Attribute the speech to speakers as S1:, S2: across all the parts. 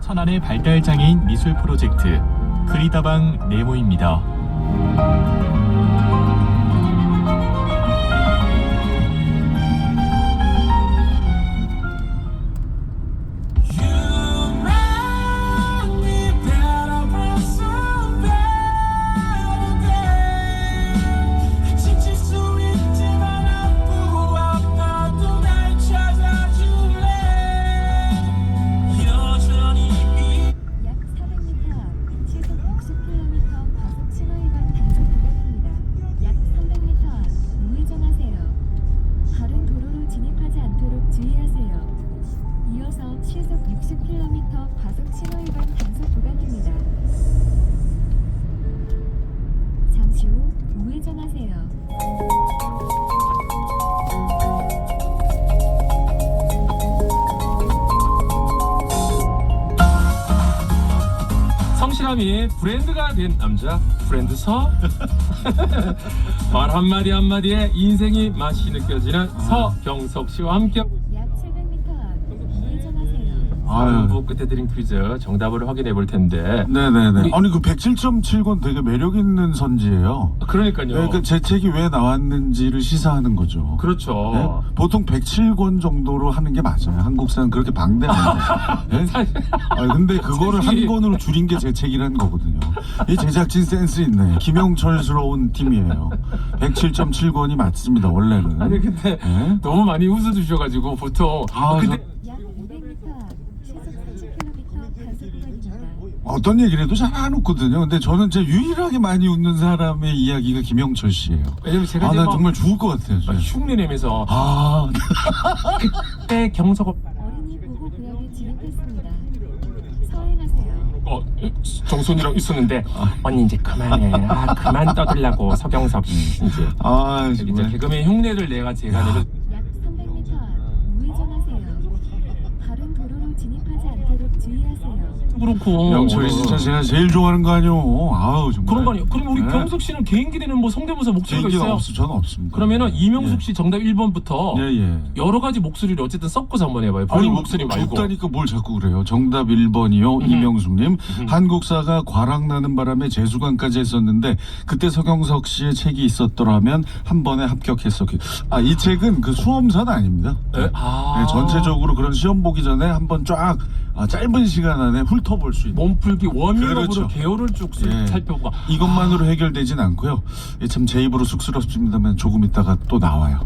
S1: 천안의 발달장애인 미술 프로젝트 그리다방 네모입니다.
S2: 시속 60km 과속 신호 위반 단속 구간입니다. 잠시 후 우회전하세요.
S3: 성실함이 브랜드가 된 남자 브랜드서 말 한마디 한마디에 인생이 맛이 느껴지는 서경석 씨와 함께
S2: 약 700m 앞 우회전하세요.
S3: 부부 끝에 드린 퀴즈 정답을 확인해 볼 텐데.
S4: 네네네.
S3: 우리-
S4: 아니 그 107.7권 되게 매력 있는 선지예요.
S3: 그러니까요.
S4: 그러니까 제 책이 왜 나왔는지를 시사하는 거죠.
S3: 그렇죠.
S4: 네? 보통 107권 정도로 하는 게 맞아요. 한국사는 그렇게 방대한데. 네? 아니, 근데 그거를 한
S3: 사실-
S4: 권으로 줄인 게 제 책이라는 거거든요. 이 제작진 센스 있네. 김영철스러운 팀이에요. 107.7권이 맞습니다. 원래는.
S3: 아니 근데
S4: 네?
S3: 너무 많이 웃어주셔가지고 보통
S4: 아,
S3: 근데
S2: 약 200m 앞 시속 30km 단속 구간입니다.
S4: 어떤 얘기를 해도 잘 안 웃거든요. 근데 저는 제 유일하게 많이 웃는 사람의 이야기가 김영철 씨예요.
S3: 왜냐면 제가
S4: 아,
S3: 이제
S4: 난
S3: 막
S4: 정말 죽을 것 같아요. 진짜.
S3: 흉내 내면서
S4: 아,
S3: 그때 경석 오빠
S2: 어린이 보호 구역에 진입했습니다. 서행하세요.
S3: 정순이랑 있었는데 언니 이제 그만해. 그만 떠들라고 서경석 씨 이제
S4: 아,
S3: 이제
S4: 정말.
S3: 개그맨 흉내를 내가 제가 내면
S2: 약 300m 앞 우회전하세요. 다른 도로로 진입하지 않도록 주의하세요.
S3: 그렇고
S4: 영철이 진짜 제가 제일 좋아하는 거 아니오. 아우 정말.
S3: 그런 거 아니에요. 그럼 우리
S4: 네.
S3: 경석 씨는 개인기 되는 뭐 성대모사 목소리가
S4: 개인기가
S3: 있어요?
S4: 없어, 저는 없습니다.
S3: 그러면은 이명숙
S4: 예.
S3: 씨 정답 1번부터
S4: 예, 예.
S3: 여러 가지 목소리를 어쨌든 섞어서 한번 해봐요. 본인 목소리 말고.
S4: 없다니까 뭘 자꾸 그래요. 정답 1번이요. 이명숙님. 한국사가 과락나는 바람에 재수강까지 했었는데 그때 서경석 씨의 책이 있었더라면 한 번에 합격했었기. 아, 이 책은 그 수험사는 아닙니다.
S3: 네? 아.
S4: 네, 전체적으로 그런 시험 보기 전에 한번 쫙 짧은 시간 안에 훑어볼 수 있는.
S3: 몸풀기 워밍업으로
S4: 그렇죠.
S3: 개요를 쭉
S4: 예.
S3: 살펴보고
S4: 이것만으로 해결되진 않고요. 참 제 입으로 쑥스럽습니다만 조금 있다가 또 나와요.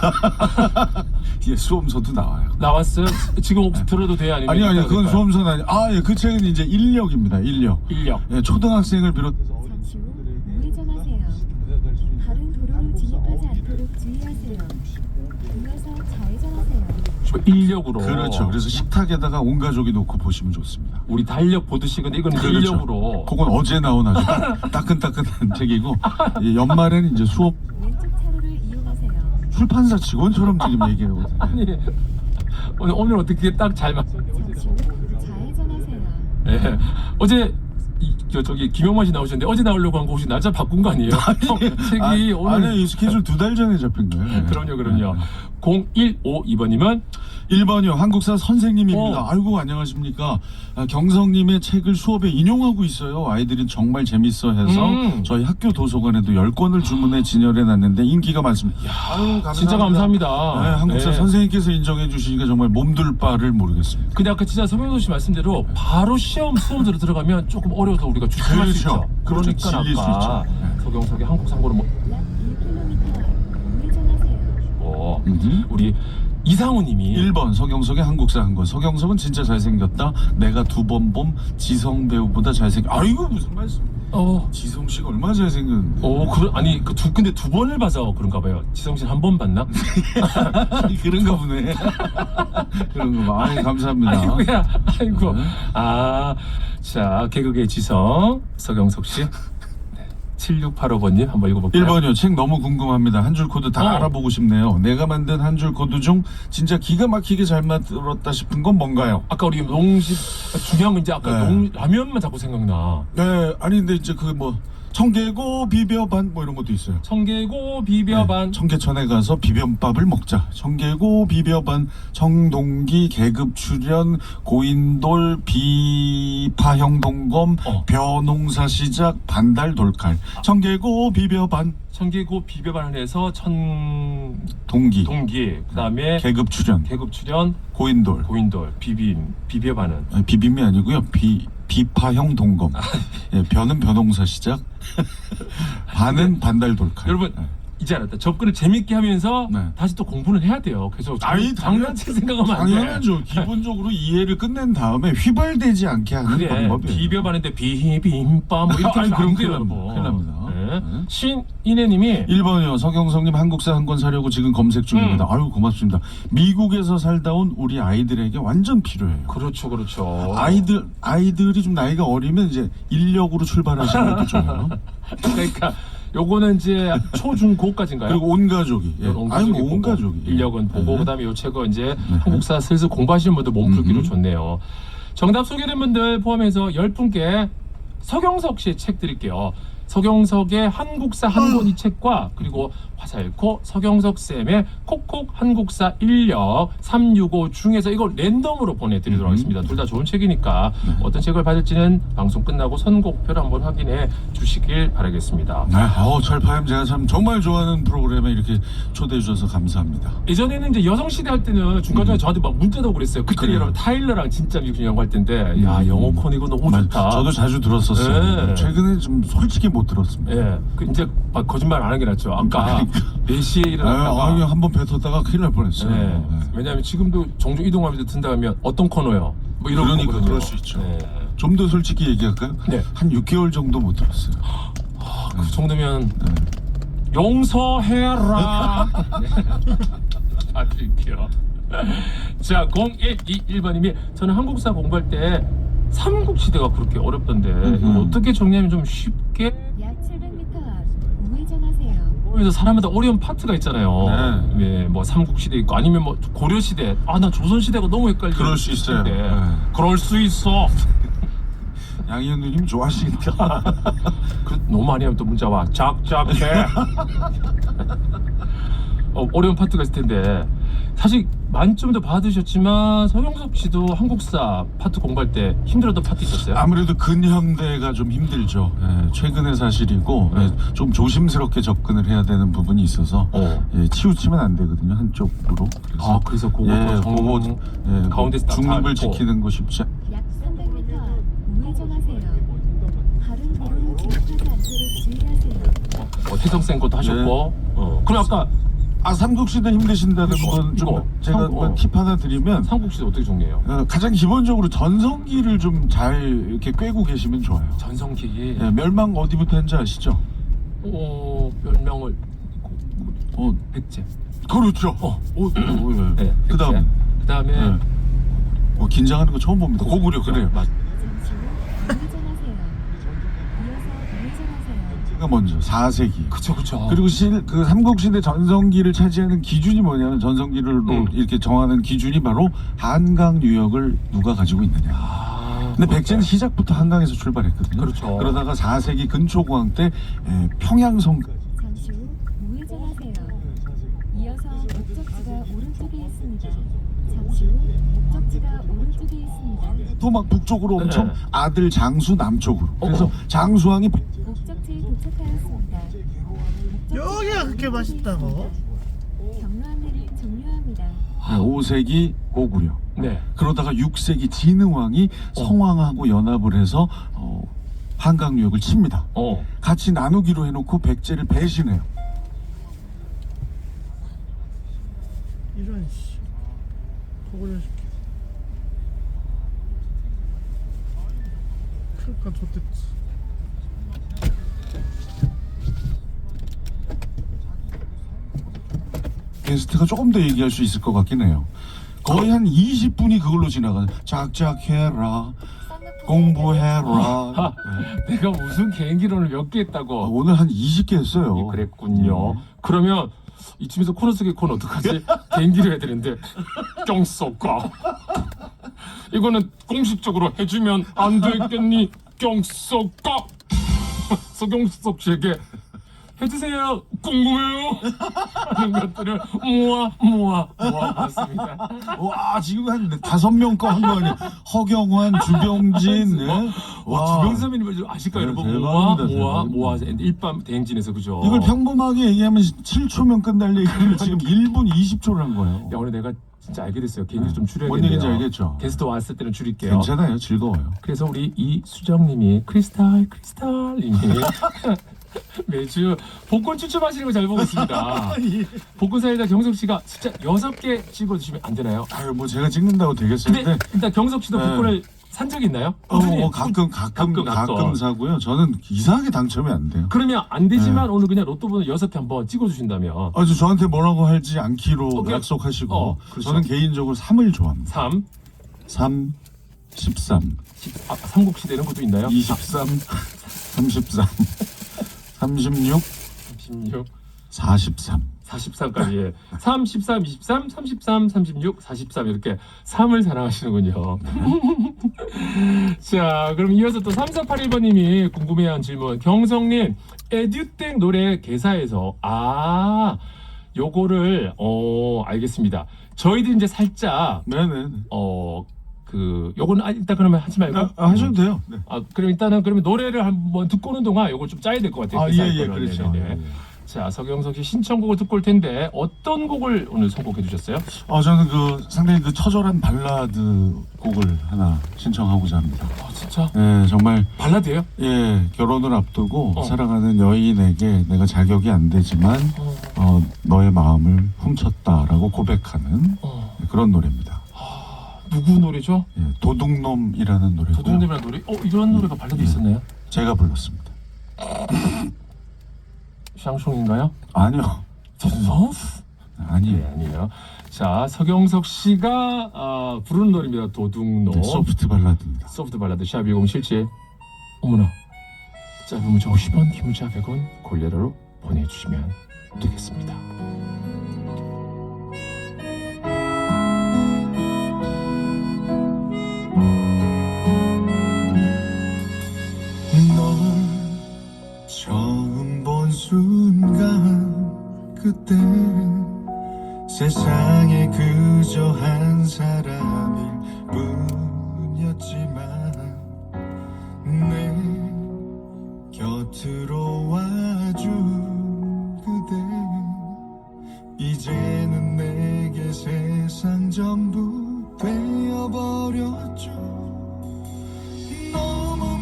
S4: 예, 수험서도 나와요.
S3: 나왔어요? 지금 혹시 들어도 돼요? 아니면
S4: 아니
S3: 이따가
S4: 그건
S3: 될까요?
S4: 수험서는 아니. 아, 예, 그 책은 이제 인력입니다. 인력.
S3: 인력.
S4: 예, 초등학생을 비롯.
S2: 잠시 후 우회전하세요. 다른 도로로 진입하지 않도록 주의하세요. 이어서 좌회전하세요.
S3: 인력으로.
S4: 그렇죠. 그래서 식탁에다가 온 가족이 놓고 보시면 좋습니다.
S3: 우리 달력 보듯이 근데 이건
S4: 그렇죠.
S3: 인력으로.
S4: 그건 어제 나온 아주 따끈따끈한 책이고 예, 연말에는 이제 수업
S2: 왼쪽 차로를 이용하세요.
S4: 출판사 직원처럼 지금 얘기하거든요.
S3: 아니 오늘 어떻게 딱 잘 맞.
S2: 잠시 후 좌회전하세요.
S3: 예. 어제 저기 김영만 씨 나오셨는데 어제 나오려고 한 거 혹시 날짜 바꾼 거 아니에요? 책이 오늘.
S4: 아니 이 스케줄 2달 전에 잡힌 거예요. 네.
S3: 그럼요. 0152번님은
S4: 1번이요. 한국사 선생님입니다.
S3: 어.
S4: 아이고 안녕하십니까. 경성님의 책을 수업에 인용하고 있어요. 아이들이 정말 재밌어 해서 저희 학교 도서관에도 10권을 주문해 진열해 놨는데 인기가 많습니다. 아유, 감사합니다.
S3: 진짜 감사합니다.
S4: 네, 한국사
S3: 네.
S4: 선생님께서 인정해 주시니까 정말 몸둘 바를 모르겠습니다.
S3: 근데 아까 진짜 서명도 씨 말씀대로 바로 수험으로 들어가면 조금 어려워서 우리가 주춤할 수
S4: 그렇죠.
S3: 있죠.
S4: 그러니까
S3: 그러니까
S4: 질릴 수
S3: 아까
S4: 있죠. 네.
S3: 서경석의 한국 상고를 뭐
S2: 약 1km 앞 우회전하세요.
S3: 우리 이상우님이
S4: 1번 서경석의 한국사 한 권. 서경석은 진짜 잘생겼다. 내가 2번 봄 지성 배우보다 잘생겼. 아이고 무슨 말씀. 지성 씨가 얼마나 잘생겼는데.
S3: 아니 근데 두 번을 봐서 그런가 봐요. 지성 씨는 한 번 봤나?
S4: 그런가 보네. 그런가 봐. 아이, 감사합니다.
S3: 아이고.
S4: 네.
S3: 자 개그계 지성 서경석 씨. 7685번님 한번 읽어볼게요.
S4: 1번이요. 책 너무 궁금합니다. 한 줄 코드 다 알아보고 싶네요. 내가 만든 한 줄 코드 중 진짜 기가 막히게 잘 만들었다 싶은 건 뭔가요?
S3: 아까 우리 농심 중요한 건 이제 아까
S4: 네.
S3: 라면만 자꾸 생각나.
S4: 네, 아니 근데 이제 그 뭐 청개고 비벼반 뭐 이런 것도 있어요.
S3: 청개고 비벼반.
S4: 네, 청계천에 가서 비빔밥을 먹자. 청개고 비벼반, 청동기 계급 출연, 고인돌 비파형 동검, 벼농사 시작, 반달 돌칼. 청개고 비벼반,
S3: 청개고 비벼반을 해서
S4: 동기,
S3: 그다음에
S4: 계급 출연,
S3: 계급 출연,
S4: 고인돌.
S3: 비벼반은
S4: 아니, 비빔이 아니고요. 비파형 동검. 예, 벼는 벼농사 시작, 반은 반달 돌칼.
S3: 여러분
S4: 예.
S3: 이제 알았다. 접근을 재밌게 하면서
S4: 네.
S3: 다시 또 공부는 해야 돼요. 그래서
S4: 아니,
S3: 장난치 생각하면 안 돼.
S4: 당연하죠. 기본적으로 이해를 끝낸 다음에 휘발되지 않게 하는
S3: 그래
S4: 방법이에요.
S3: 비벼반인데 비빔밥 뭐 이렇게
S4: 아니,
S3: 하면 안
S4: 그럼
S3: 돼요,
S4: 큰일 납니다.
S3: 여러분.
S4: 큰일 납니다.
S3: 네.
S4: 네.
S3: 신인혜님이
S4: 1번이요. 서경석님 한국사 한 권 사려고 지금 검색 중입니다. 아유 고맙습니다. 미국에서 살다 온 우리 아이들에게 완전 필요해요.
S3: 그렇죠.
S4: 아이들이 좀 나이가 어리면 이제 인력으로 출발하시는 것도 좋아요.
S3: 그러니까 요거는 이제 초중고까지인가요?
S4: 그리고 온 가족이. 예. 아니 뭐 온
S3: 보고,
S4: 가족이. 예.
S3: 인력은 보고
S4: 네.
S3: 그다음에 요 책은 이제 한국사 슬슬 공부하시는 분들 몸풀기로 좋네요. 정답 소개된 분들 포함해서 10분께 서경석 씨의 책 드릴게요. 서경석의 한국사 한 권 이 책과 그리고 화살코 서경석 쌤의 콕콕 한국사 인력 365 중에서 이걸 랜덤으로 보내드리도록 하겠습니다. 둘 다 좋은 책이니까 어떤 책을 받을지는 방송 끝나고 선곡표를 한번 확인해 주시길 바라겠습니다.
S4: 네. 철파임 제가 참 정말 좋아하는 프로그램에 이렇게 초대해 주셔서 감사합니다.
S3: 예전에는 이제 여성시대 할 때는 중간중간에 저한테 막 문자도 오고 그랬어요. 그때
S4: 그래요.
S3: 여러분 타일러랑 진짜 미국 영화 할 때인데 야 영어콘 이거 너무 좋다.
S4: 저도 자주 들었었어요.
S3: 네.
S4: 최근에 좀 솔직히 못 들었습니다.
S3: 예, 그 이제 막 거짓말 안 하는 게 낫죠. 아까 4시에 일어났다가
S4: 아유, 한번 뱉었다가 큰일 날 뻔했어요.
S3: 네.
S4: 네.
S3: 왜냐하면 지금도 종종 이동하면서 든다 하면 어떤 코너요? 뭐 이런
S4: 그러니까
S3: 거거든요.
S4: 그럴 수 있죠.
S3: 네.
S4: 좀 더 솔직히 얘기할까요?
S3: 네.
S4: 한 6개월 정도 못 들었어요.
S3: 그 정도면 용서해라. 네. 봐드릴게요. 자, 0121번님이 저는 한국사 공부할 때 삼국시대가 그렇게 어렵던데 이거 어떻게 정리하면 좀 쉽게
S2: 약 700m 앞 우회전하세요.
S3: 그래서 사람마다 어려운 파트가 있잖아요. 네, 뭐 삼국시대 있고 아니면 뭐 고려시대. 아, 나 조선시대가 너무 헷갈려.
S4: 그럴 수 있어요. 네.
S3: 그럴 수 있어.
S4: 양희은 누님 좋아하시니까.
S3: 그 너무 많이 하면 또 문자 와. 작작해. 어려운 파트가 있을 텐데 사실 만점도 받으셨지만 서경석 씨도 한국사 파트 공부할 때 힘들었던 파트 있었어요?
S4: 아무래도 근현대가 좀 힘들죠. 예, 최근의 사실이고 좀 조심스럽게 접근을 해야 되는 부분이 있어서 예, 치우치면 안 되거든요. 한쪽으로.
S3: 그래서 그거 가운데서 딱
S4: 중립을
S3: 잘
S4: 지키는 거 쉽지 않.
S2: 약 300m 앞 우회전하세요. 바른 도로로 진입하지 않도록 주의하세요.
S3: 해성생 것도 하셨고 그럼 아까
S4: 삼국시대 힘드신다는 건 좀 제가 팁 하나 드리면
S3: 삼국시대 어떻게 정리해요?
S4: 가장 기본적으로 전성기를 좀 잘 이렇게 꿰고 계시면 좋아요.
S3: 전성기
S4: 예, 멸망 어디부터 했는지 아시죠?
S3: 멸망을 백제
S4: 그렇죠.
S3: 네,
S4: 그다음에
S3: 그다음에
S4: 긴장하는 거 처음 봅니다. 고구려 그래요.
S3: 맞.
S2: 잠시 후 우회전하세요. 이어서 우회전하세요.
S4: 제가 먼저 4세기.
S3: 그쵸.
S4: 그리고 그 삼국시대 전성기를 차지하는 기준이 뭐냐면 전성기를 이렇게 정하는 기준이 바로 한강 유역을 누가 가지고 있느냐. 근데 백제는 시작부터 한강에서 출발했거든요.
S3: 그렇죠.
S4: 그러다가 4세기 근초고왕 때 평양성까지.
S2: 잠시 후 우회전하세요. 이어서 목적지가 오른쪽에 있습니다. 잠시 후 목적지가 오른쪽에 있습니다.
S4: 또 막 북쪽으로 엄청 아들 장수 남쪽으로. 그래서
S3: 어.
S4: 장수왕이
S2: 목적지에 도착하였습니다.
S5: 여기가 그렇게 맛있다고?
S2: 경로 안내를 종료합니다.
S4: 5세기 고구려.
S3: 네.
S4: 그러다가 6세기 진흥왕이 성왕하고 연합을 해서 한강 유역을 칩니다. 같이 나누기로 해놓고 백제를 배신해요.
S5: 이런 씨 고구려 시켜. 그러니까 좋댔지.
S4: 게스트가 조금 더 얘기할 수 있을 것 같긴 해요. 거의 한 20분이 그걸로 지나가요. 작작해라, 공부해라.
S3: 내가 무슨 개인기론을 몇 개 했다고.
S4: 오늘 한 20개 했어요.
S3: 그랬군요. 그러면 이쯤에서 코너 속의 코너 어떡하지? 개인기를 해야 되는데 경석가 이거는 공식적으로 해주면 안 되겠니? 경석가 서경석 씨에게 해주세요 궁금해요 하는 것들을 모아 봤습니다.
S4: 와 지금 한 5명 거 한 거 아니야? 허경환, 주병진, 네? 와
S3: 주병 선배님 좀 아실까요,
S4: 네,
S3: 여러분?
S4: 대박입니다,
S3: 모아 일밤 대행진에서 그죠?
S4: 이걸 평범하게 얘기하면 7초면 끝날 얘기를 지금 1분 20초를 한 거예요.
S3: 야 오늘 내가 진짜 알게 됐어요. 개인적으로 좀 줄여야겠네요.
S4: 뭔 얘기인지 알겠죠?
S3: 게스트 왔을 때는 줄일게요.
S4: 괜찮아요, 즐거워요.
S3: 그래서 우리 이수정님이 크리스탈님이 매주 복권 추첨하시는 거 잘 보고 있습니다. 복권 사이다 경석 씨가 숫자 6개 찍어주시면 안 되나요?
S4: 아유 뭐 제가 찍는다고 되겠어요.
S3: 근데 일단 경석 씨도
S4: 네.
S3: 복권을 산 적 있나요? 꾸준히?
S4: 가끔 사고요. 저는 이상하게 당첨이 안 돼요.
S3: 그러면 안 되지만 오늘 그냥 로또 번호 6개 한번 찍어주신다면
S4: 아주 저한테 뭐라고 할지 않기로
S3: 오케이.
S4: 약속하시고
S3: 그렇죠.
S4: 저는 개인적으로 3을 좋아합니다.
S3: 3,
S4: 3, 13,
S3: 삼국시대는 것도 있나요?
S4: 23, 33, 36,
S3: 36,
S4: 43.
S3: 43까지 3, 13, 23, 33, 36, 43 이렇게 3을 사랑하시는군요. 자 그럼 이어서 또 3481번님이 궁금해한 질문 경성님 에듀땡 노래 개사에서 요거를 알겠습니다. 저희들 이제 살짝
S4: 네네.
S3: 요거는 일단 그러면 하지 말고
S4: 하셔도 돼요. 네.
S3: 그럼 일단은 그러면 노래를 한번 듣고 오는 동안 요거 좀 짜야 될 것 같아요.
S4: 예, 그렇죠.
S3: 네네네.
S4: 예.
S3: 자 서경석 씨 신청곡을 듣고 올 텐데 어떤 곡을 오늘 선곡해 주셨어요?
S4: 저는 상당히 처절한 발라드 곡을 하나 신청하고자 합니다.
S3: 진짜
S4: 예, 정말
S3: 발라드예요?
S4: 예, 결혼을 앞두고 사랑하는 여인에게 내가 자격이 안 되지만 너의 마음을 훔쳤다라고 고백하는 그런 노래입니다.
S3: 누구 노래죠?
S4: 예, 도둑놈이라는 노래고요.
S3: 도둑놈이라는 노래? 이런 노래가 발라드 있었나요?
S4: 제가 불렀습니다.
S3: 샹송인가요?
S4: 아니요. 아니에요.
S3: 네, 아니에요. 자 서경석 씨가 부르는 노래입니다. 도둑놈.
S4: 네, 소프트 발라드입니다.
S3: 소프트 발라드 샵 1077. 어머나 짧은 문자 50원 긴 문자 100원 골레로로 보내주시면 되겠습니다.
S4: 널 처음 본 순간 그때 세상에 그저 한 사람일 뿐이었지만 내 곁으로 와준 그대 이제는 내게 세상 전부 되어버렸죠. 너무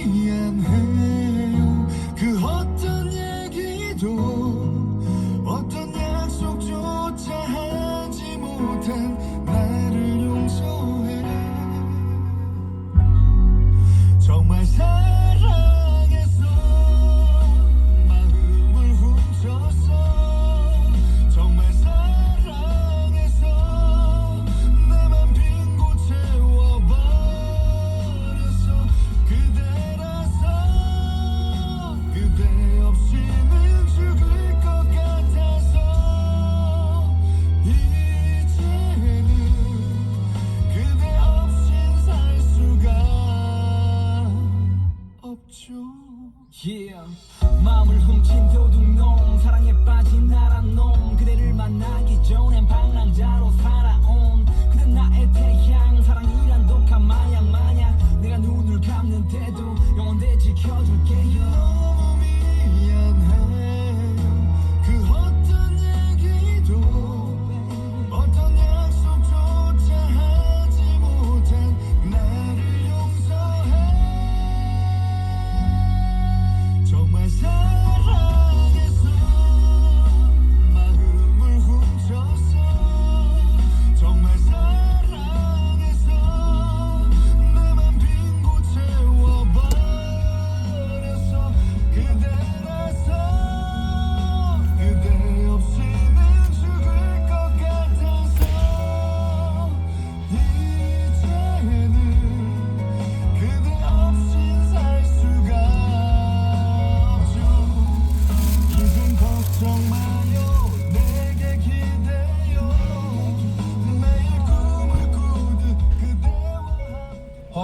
S4: 미안해요. 그 어떤 얘기도 어떤 약속조차 하지 못한 나를 용서해. 정말 사랑했어. 마음을 훔쳤어. 정말 사랑했어. 내 맘 빈곳 채워버렸어. 그대라서 그대 없이는 죽을 것 같아서 이제는 그대 없인 살 수가 없죠.
S6: Yeah. 마음을 훔친 도둑놈 사랑에 빠진 나란 놈 그대를 만나기 전엔 방랑자로 살아온 그대 나의 태양 사랑이란 독한 마약 마냥 내가 눈을 감는데도 영원히 지켜줄게요.
S4: 너무 미안해. 그 어떤 얘기도 어떤 약속조차 하지 못한 나를 용서해. 정말 사랑했어. 마음을 훔쳤어. 정말 사랑했어. 내 맘 빈곳 채워버렸어.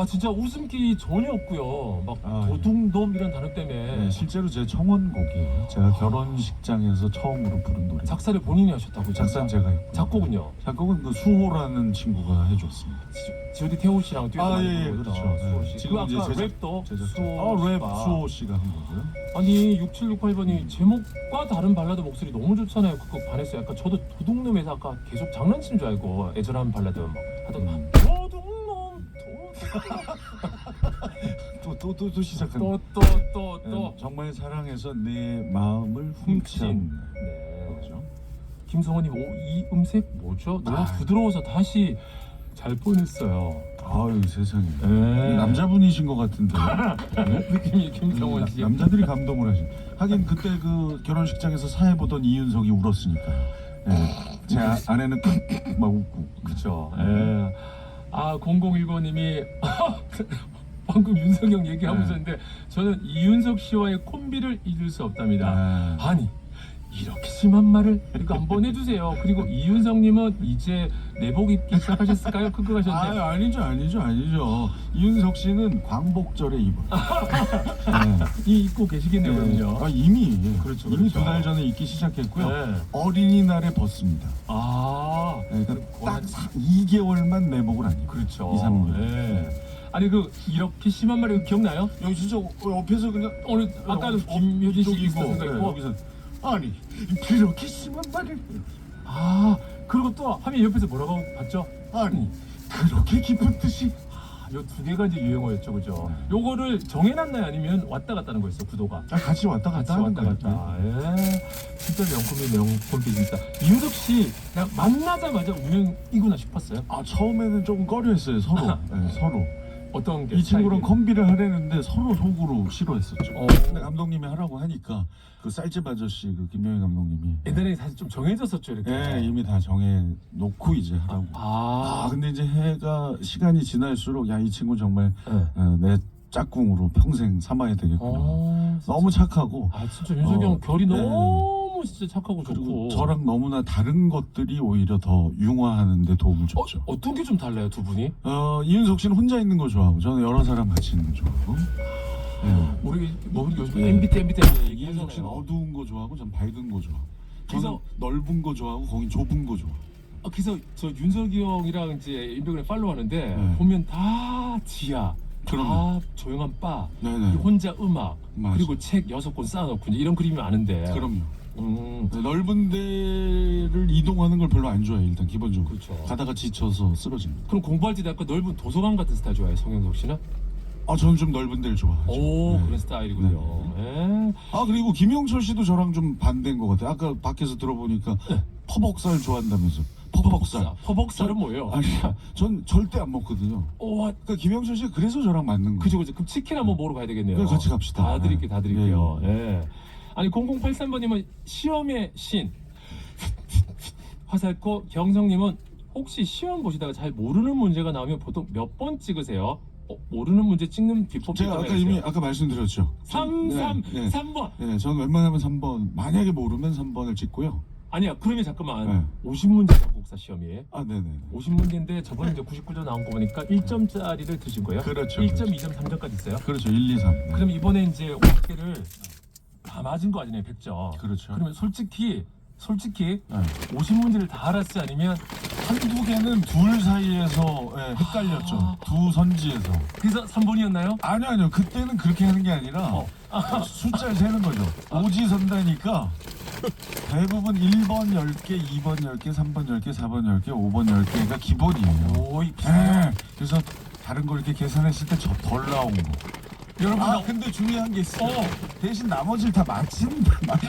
S3: 진짜 웃음기 전혀 없고요. 막
S4: 아,
S3: 도둑놈 이런 단어 때문에
S4: 네, 실제로 제 청혼곡이에요. 제가 결혼식장에서 처음으로 부른 노래.
S3: 작사를 본인이 하셨다고요?
S4: 작사는 제가 했고.
S3: 작곡은요?
S4: 작곡은 그 수호라는 친구가 해줬습니다.
S3: G.O.D 태호 씨랑 듀엣 많이 부르죠.
S4: 그렇죠.
S3: 수호
S4: 네.
S3: 씨.
S4: 지금
S3: 그
S4: 이제
S3: 아까
S4: 제작-
S3: 랩도
S4: 제작자.
S3: 수호
S4: 랩
S3: 씨가.
S4: 수호 씨가 한 거고요.
S3: 아니 6768번이 제목과 다른 발라드 목소리 너무 좋잖아요. 그거 반했어요. 약간 저도 도둑놈에서 아까 계속 장난친 줄 알고 애절한 발라드 막 하다가 도둑놈
S4: 또 시작한.
S3: 또또또또
S4: 정말 사랑해서 내 마음을 훔친.
S3: 네.
S4: 그렇죠.
S3: 김성원님 이 음색 뭐죠? 너무
S4: 아.
S3: 부드러워서 다시 잘 뻔했어요.
S4: 아유 세상에.
S3: 네.
S4: 남자분이신 것 같은데. 네?
S3: 느낌이 김성원 씨.
S4: 남자들이 감동을 하시. 하긴 그때 그 결혼식장에서 사회 보던 이윤석이 울었으니까요. 네. 제 아내는 막 웃고.
S3: 그렇죠. 예. 아 0019님이 방금 윤석영 얘기하고 있었는데 저는 이윤석 씨와의 콤비를 잊을 수 없답니다. 아니 이렇게 심한 말을 이거 한번 해주세요. 그리고 이윤석님은 이제 내복 입기 시작하셨을까요? 그거 하셨는데
S4: 아니죠. 이윤석 씨는 광복절에 입어.
S3: 이 입고 계시겠네요. 그럼요.
S4: 이미
S3: 그렇죠,
S4: 이미
S3: 그렇죠.
S4: 2달 전에 입기 시작했고요.
S3: 네.
S4: 어린이날에 벗습니다.
S3: 아
S4: 그러니까 딱 2개월만 내복을 안 입고.
S3: 그렇죠.
S4: 2, 3년.
S3: 네. 아니 그 이렇게 심한 말이 기억나요?
S4: 여기 진짜 옆에서 그냥
S3: 오늘 아까도 김효진 씨 있었던 거 있고
S4: 여기서 아니 그렇게 심한 말을
S3: 아 그리고 또 하면 옆에서 뭐라고 봤죠?
S4: 아니 그렇게 깊은 뜻이
S3: 요 두 개가 이제 유행어였죠, 그죠? 요거를 정해놨나요, 아니면 왔다 갔다 하는 거였어, 구도가?
S4: 같이 왔다
S3: 같이
S4: 갔다 하는
S3: 왔다
S4: 거예요.
S3: 갔다. 예. 진짜 명콤이 진짜. 이윤석 씨 그냥 만나자마자 우연이구나 싶었어요.
S4: 처음에는 조금 꺼려했어요 서로. 서로.
S3: 어떤 게
S4: 이 친구랑
S3: 스타일이?
S4: 컴비를 하려는데 서로 속으로 싫어했었죠.
S3: 어.
S4: 근데 감독님이 하라고 하니까 그 쌀집 아저씨 그 김영희 감독님이
S3: 옛날에 사실 좀 정해졌었죠, 이렇게.
S4: 이미 다 정해 놓고 이제 하라고. 근데 이제 시간이 지날수록 야 이 친구 정말
S3: 네.
S4: 내 짝꿍으로 평생 삼아야 되겠구나. 너무 착하고
S3: 진짜 윤석이 형 결이
S4: 네.
S3: 너무 진짜 착하고
S4: 그리고
S3: 좋고.
S4: 저랑 너무나 다른 것들이 오히려 더 융화하는 데 도움을 줬죠.
S3: 어떤 게 좀 달라요, 두 분이?
S4: 이윤석 씨는 혼자 있는 거 좋아하고 저는 여러 사람 같이 있는 거 좋아하고.
S3: 우리 뭐 요즘
S4: 네.
S3: MBT
S4: 이윤석
S3: 얘기해서
S4: 씨는 어두운 거 좋아하고 전 밝은 거 좋아하고.
S3: 그래서-
S4: 저는 넓은 거 좋아하고 거긴 좁은 거 좋아.
S3: 그래서 저 윤석이 형이랑 이제 인별그램 팔로우하는데
S4: 네.
S3: 보면 다 지하,
S4: 그럼요.
S3: 다 조용한 바,
S4: 네네.
S3: 혼자 음악,
S4: 맞아.
S3: 그리고 책 6권 쌓아놓고 이제 이런 그림이 많은데.
S4: 그럼요.
S3: 음,
S4: 넓은 데를 이동하는 걸 별로 안 좋아해 일단 기본적으로.
S3: 그렇죠.
S4: 가다가 지쳐서 쓰러집니다.
S3: 그럼 공부할 때도 약간 넓은 도서관 같은 스타일 좋아해요, 성형석 씨는?
S4: 저는 좀 넓은 데를 좋아하죠.
S3: 오,
S4: 네.
S3: 그런 스타일이군요. 예.
S4: 그리고 김영철 씨도 저랑 좀 반대인 것 같아요. 아까 밖에서 들어보니까 퍼벅살 좋아한다면서. 퍼벅살.
S3: 퍼벅살은 뭐예요?
S4: 전 절대 안 먹거든요. 그러니까 김영철 씨가 그래서 저랑 맞는 거예요.
S3: 그죠. 그럼 치킨 한번 먹으러 가야 되겠네요.
S4: 그래, 같이 갑시다.
S3: 다 드릴게요, 다 드릴게요.
S4: 예,
S3: 예. 아니 0083번님은 시험의 신 화살코 경성님은 혹시 시험 보시다가 잘 모르는 문제가 나오면 보통 몇 번 찍으세요? 모르는 문제 찍는 비법
S4: 제가 아까 이미 아까 말씀드렸죠.
S3: 3번.
S4: 네, 저는 웬만하면 3번. 만약에 모르면 3번을 찍고요.
S3: 아니야, 그러면 잠깐만.
S4: 네.
S3: 50문제 작곡사 시험이에요.
S4: 네네.
S3: 50문제인데 저번에 이제 99점 나온 거 보니까 1점짜리를 드신 거예요?
S4: 그렇죠.
S3: 1점, 2점, 3점까지 있어요?
S4: 그렇죠. 1, 2, 3. 네.
S3: 그럼 이번에 이제 50개를 다 맞은 거 아니에요, 100점.
S4: 그렇죠.
S3: 그러면 솔직히
S4: 네.
S3: 50문제를 다 알았어요, 아니면
S4: 한두 개는 둘 사이에서 헷갈렸죠. 두 선지에서.
S3: 그래서 3번이었나요?
S4: 아니요. 그때는 그렇게 하는 게 아니라 숫자를 세는 거죠. 오지선다니까 대부분 1번 10개, 2번 10개, 3번 10개, 4번 10개, 5번 10개가 기본이에요.
S3: 오이
S4: 그래서 다른 걸 이렇게 계산했을 때 덜 나온 거.
S3: 여러분
S4: 근데 중요한 게 있어요. 대신 나머지를 다 맞힌다.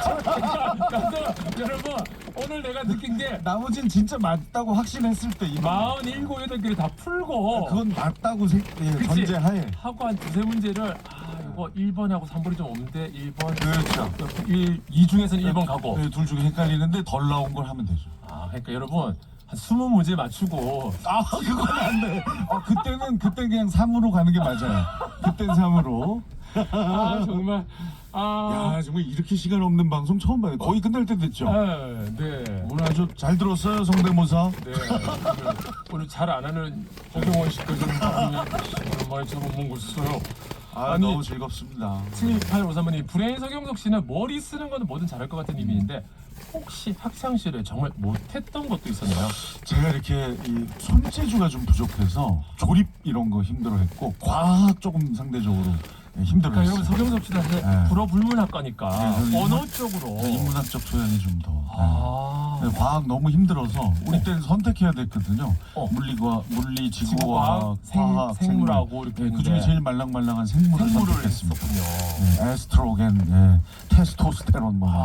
S3: 여러분 오늘 내가 느낀 게
S4: 나머지는 진짜 맞다고 확신했을 때
S3: 47, 8개를 다 풀고
S4: 그건 맞다고
S3: 그치?
S4: 전제하에.
S3: 하고 한 두세 문제를 이거 1번하고 3번이 좀 없는데 1번
S4: 그렇죠.
S3: 2 중에서는 1번 가고
S4: 둘 중에 헷갈리는데 덜 나온 걸 하면 되죠.
S3: 그러니까 여러분 한 20문제 맞추고
S4: 그건 안 돼. 그때는 그냥 3으로 가는 게 맞아요. 그땐 3으로.
S3: 아 정말
S4: 야 정말 이렇게 시간 없는 방송 처음 봐요. 거의 끝날 때 됐죠.
S3: 네.
S4: 오늘 아주 잘 들었어요 성대모사.
S3: 네. 오늘 잘 안 하는 허경원 씨까지 오랜만에 저거 못 봤어요. 아니,
S4: 너무 즐겁습니다.
S3: 7853번님 불행 서경석 씨는 머리 쓰는 거는 뭐든 잘할 것 같은 이미인데 혹시 학창 시절에 정말 못했던 것도 있었나요?
S4: 제가 이렇게 이 손재주가 좀 부족해서 조립 이런 거 힘들어했고 과학 조금 상대적으로
S3: 그러니까
S4: 힘들어했어요.
S3: 여러분 서경석 씨는 사실
S4: 네.
S3: 불어불문학과니까
S4: 네,
S3: 언어 쪽으로
S4: 인문학적 소양이 좀 더.
S3: 아.
S4: 네, 과학 너무 힘들어서 우리 때는 선택해야 됐거든요. 물리, 지구과학, 화학,
S3: 생물하고 이렇게
S4: 그 중에 제일 말랑말랑한 생물을
S3: 생물을
S4: 선택했습니다.
S3: 했었군요.
S4: 네, 에스트로겐, 테스토스테론 뭐.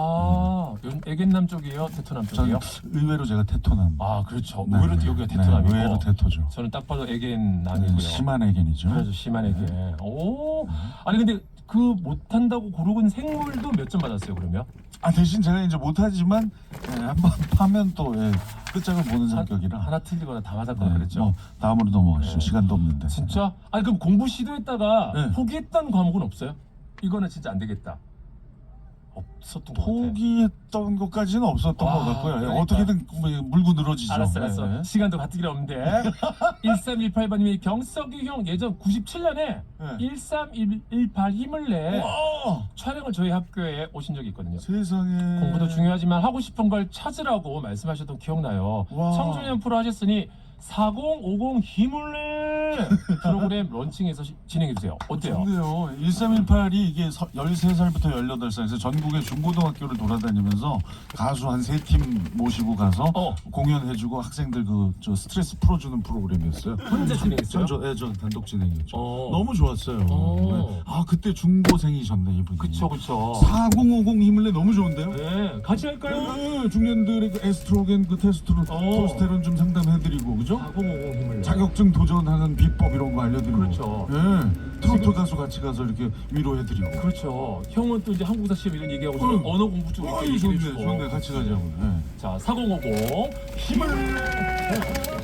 S3: 애견남 쪽이에요? 테토남
S4: 전
S3: 쪽이에요?
S4: 의외로 제가 테토남.
S3: 아 그렇죠.
S4: 네,
S3: 의외로
S4: 네.
S3: 여기가
S4: 네,
S3: 테토남이고
S4: 의외로 테토죠.
S3: 저는 딱 봐도 애견남이고요.
S4: 심한 애견이죠.
S3: 그래서 심한 애견. 오. 아니 근데 그 못한다고 고르곤 생물도 몇 점 받았어요 그러면?
S4: 대신 제가 이제 못하지만 한번 파면 또 끝장을 보는 성격이라.
S3: 하나 틀리거나 다 맞았거나 그랬죠.
S4: 뭐 다음으로 넘어가시죠.
S3: 네.
S4: 시간도 없는데.
S3: 진짜? 아니 그럼 공부 시도했다가
S4: 네.
S3: 포기했던 과목은 없어요? 이거는 진짜 안 되겠다. 없었던 것 같아.
S4: 포기했던 것까지는 없었던
S3: 와,
S4: 것 같고요.
S3: 그러니까.
S4: 어떻게든 물고 늘어지죠.
S3: 알았어.
S4: 네.
S3: 시간도 가뜩이나 없는데 1318번님이 경석이 형 예전 97년에
S4: 네.
S3: 1318 힘을 내
S4: 와,
S3: 촬영을 저희 학교에 오신 적이 있거든요.
S4: 세상에.
S3: 공부도 중요하지만 하고 싶은 걸 찾으라고 말씀하셨던 기억나요.
S4: 와.
S3: 청소년 프로 하셨으니 4050 힘을 내 프로그램 런칭해서 진행해주세요. 어때요?
S4: 좋네요. 1318이 이게 13살부터 18살에서 전국의 중고등학교를 돌아다니면서 가수 한 3팀 모시고 가서 공연해주고 학생들 저 스트레스 풀어주는 프로그램이었어요.
S3: 혼자 진행했어요?
S4: 저 단독 진행했죠.
S3: 어.
S4: 너무 좋았어요.
S3: 어.
S4: 네. 그때 중고생이셨네 이분이.
S3: 그쵸.
S4: 4050 힘을 내 너무 좋은데요?
S3: 네, 같이 할까요?
S4: 네, 중년들의 그 에스트로겐, 테스토스테론 좀 상담해드리고, 그죠?
S3: 4050 힘을 내.
S4: 자격증 도전하는 비법 이런 거 알려드리고.
S3: 그렇죠.
S4: 예, 트로트 가수 같이 가서 이렇게 위로해드리고.
S3: 그렇죠. 형은 또 이제 한국사 시험 이런 얘기하고
S4: 그럼.
S3: 저는 언어 공부 쪽 이렇게
S4: 좋네,
S3: 얘기해주고.
S4: 좋네, 같이 가자고. 예.
S3: 자, 4050 힘을 내.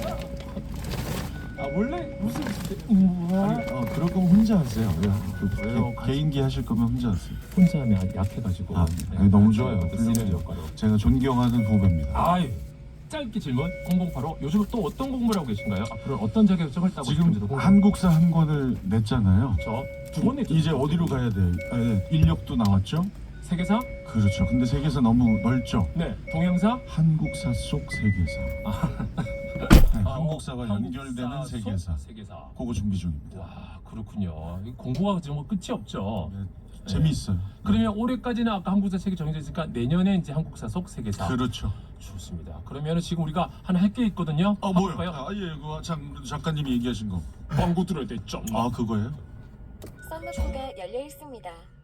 S3: 원래 무슨
S4: 아니, 그럴 거면 혼자 하세요.
S3: 왜요?
S4: 개인기 하실 거면 혼자 하세요.
S3: 혼자 하면 약해가지고.
S4: 아니, 너무 좋아요.
S3: 쓰는
S4: 훌륭해요.
S3: 역할로.
S4: 제가 존경하는 후배입니다.
S3: 아유, 짧게 질문 0085. 요즘 또 어떤 공부를 하고 계신가요? 앞으로 어떤 자격증을 따고
S4: 지금
S3: 싶은지도 궁금해요.
S4: 한국사 한 권을 냈잖아요.
S3: 두번 냈죠.
S4: 이제 어디로 가야 돼요? 인력도 나왔죠?
S3: 세계사?
S4: 그렇죠. 근데 세계사 너무 넓죠?
S3: 네. 동양사?
S4: 한국사 속 세계사. 네, 한국사와 연결되는
S3: 한국사 속
S4: 세계사.
S3: 세계사.
S4: 그거 준비 중입니다.
S3: 와, 그렇군요. 이 공부가 정말 끝이 없죠.
S4: 네, 재미있어요.
S3: 그러면 올해까지는 아까 한국사 책이 정해져 있으니까 내년에 이제 한국사 속 세계사.
S4: 그렇죠.
S3: 좋습니다. 그러면 지금 우리가 하나 할 게 있거든요.
S4: 뭐요?
S3: 볼까요?
S4: 예, 그거 작가님이 얘기하신 거.
S3: 광고 들어야 돼. 점.
S4: 그거예요?
S2: 썬루프가 열려 있습니다.